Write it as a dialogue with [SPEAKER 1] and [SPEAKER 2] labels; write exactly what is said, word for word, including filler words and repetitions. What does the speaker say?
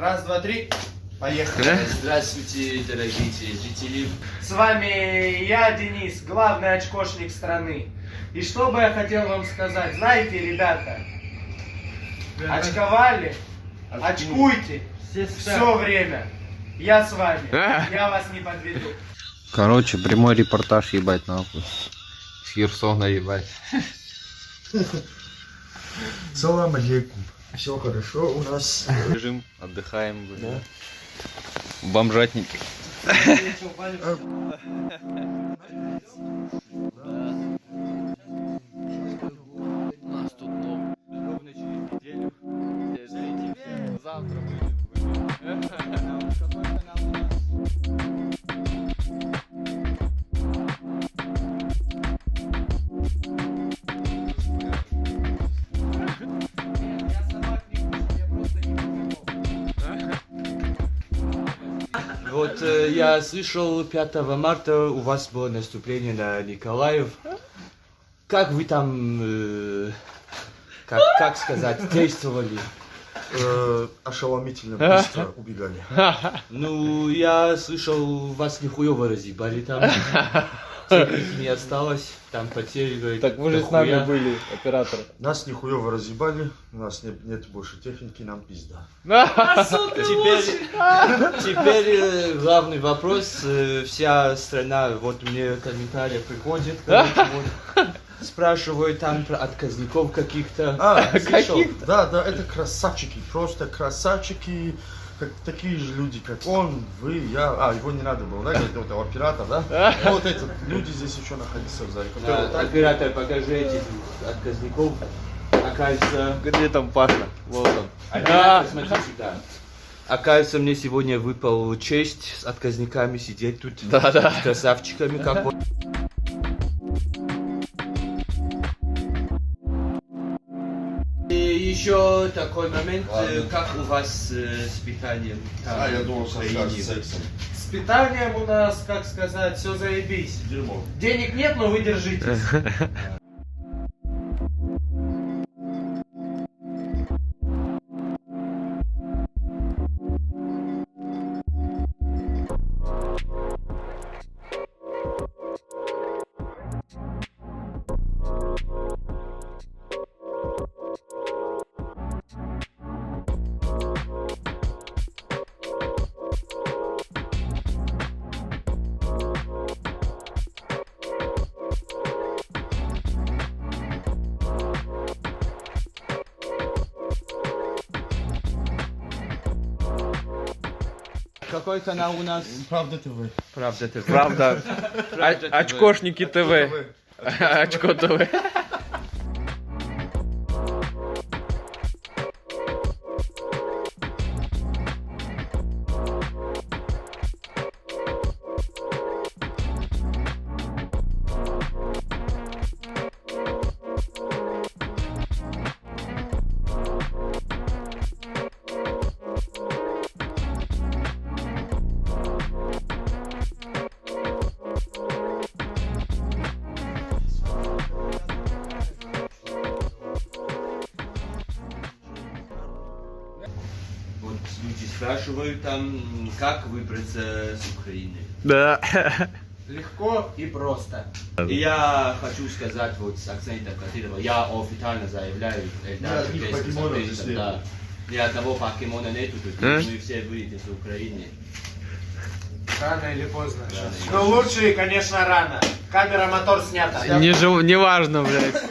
[SPEAKER 1] Раз, два, три. Поехали.
[SPEAKER 2] Здравствуйте, дорогие телезрители.
[SPEAKER 1] С вами я, Денис, главный очкошник страны. И что бы я хотел вам сказать? Знаете, ребята, очковали, очкуйте все время. Я с вами. Я вас не подведу.
[SPEAKER 3] Короче, прямой репортаж, ебать, нахуй. С Херсона, ебать.
[SPEAKER 4] Салам алейкум. Все хорошо у нас.
[SPEAKER 3] Лежим, отдыхаем. Да. Бомжатники. Нас тут ровно через неделю. Завтра
[SPEAKER 2] Вот э, я слышал, пятого марта у вас было наступление на Николаев. Как вы там, э, как, как сказать, действовали?
[SPEAKER 4] Э, ошеломительно быстро убегали.
[SPEAKER 2] Ну, я слышал, вас нихуево разъебали там. Техники не осталось, там потери, говорит,
[SPEAKER 3] Так вы же с нами были, оператор.
[SPEAKER 4] Нас нихуево разъебали, у нас нет, нет больше техники, нам пизда.
[SPEAKER 2] Теперь, теперь э, главный вопрос. Э, вся страна, вот мне комментарии приходят, короче, вот, спрашивают там про отказников каких-то.
[SPEAKER 4] А,
[SPEAKER 2] Слышал?
[SPEAKER 4] да, да, это красавчики, просто красавчики, как, такие же люди, как он, вы, я. А, его не надо было, да, говорит, вот оператор, да? Вот эти люди здесь еще находятся в зале. которые вот
[SPEAKER 2] Да,
[SPEAKER 4] так-
[SPEAKER 2] оператор, покажи этих отказников. Оказывается,
[SPEAKER 3] Где там Паша? Вот он.
[SPEAKER 2] оператор, смотри сюда. Оказывается, мне сегодня выпала честь с отказниками сидеть тут.
[SPEAKER 3] Да-да.
[SPEAKER 2] С красавчиками, как вот. И еще такой момент, э, как у вас э, с питанием там,
[SPEAKER 4] А, я думал,
[SPEAKER 2] в
[SPEAKER 4] что
[SPEAKER 2] Украине?
[SPEAKER 4] скажешь сексом.
[SPEAKER 1] С питанием у нас, как сказать, все заебись.
[SPEAKER 4] Дерьмо.
[SPEAKER 1] Денег нет, но вы держитесь.
[SPEAKER 2] Какой канал у нас?
[SPEAKER 4] Правда ты вы.
[SPEAKER 2] Правда, ты.
[SPEAKER 3] Правда.
[SPEAKER 2] Правда,
[SPEAKER 3] О- Очкошники ТВ.
[SPEAKER 4] Вы.
[SPEAKER 3] Очко ТВ.
[SPEAKER 2] Вот люди спрашивают там, как выбраться с Украины.
[SPEAKER 3] Да.
[SPEAKER 1] Легко и просто.
[SPEAKER 2] И я хочу сказать вот с акцентом Кадырова, я официально заявляю, Эльдар
[SPEAKER 4] Ни одних
[SPEAKER 2] Черкесский
[SPEAKER 4] покемонов
[SPEAKER 2] запретит,
[SPEAKER 4] здесь нет.
[SPEAKER 2] да. Ни одного покемона нету, тут
[SPEAKER 3] А?
[SPEAKER 2] мы все выйдем с Украины.
[SPEAKER 1] Рано или поздно.
[SPEAKER 2] Рано или
[SPEAKER 1] Но лучше, конечно, рано. Камера, мотор снята.
[SPEAKER 3] Не, жив... не важно, блядь.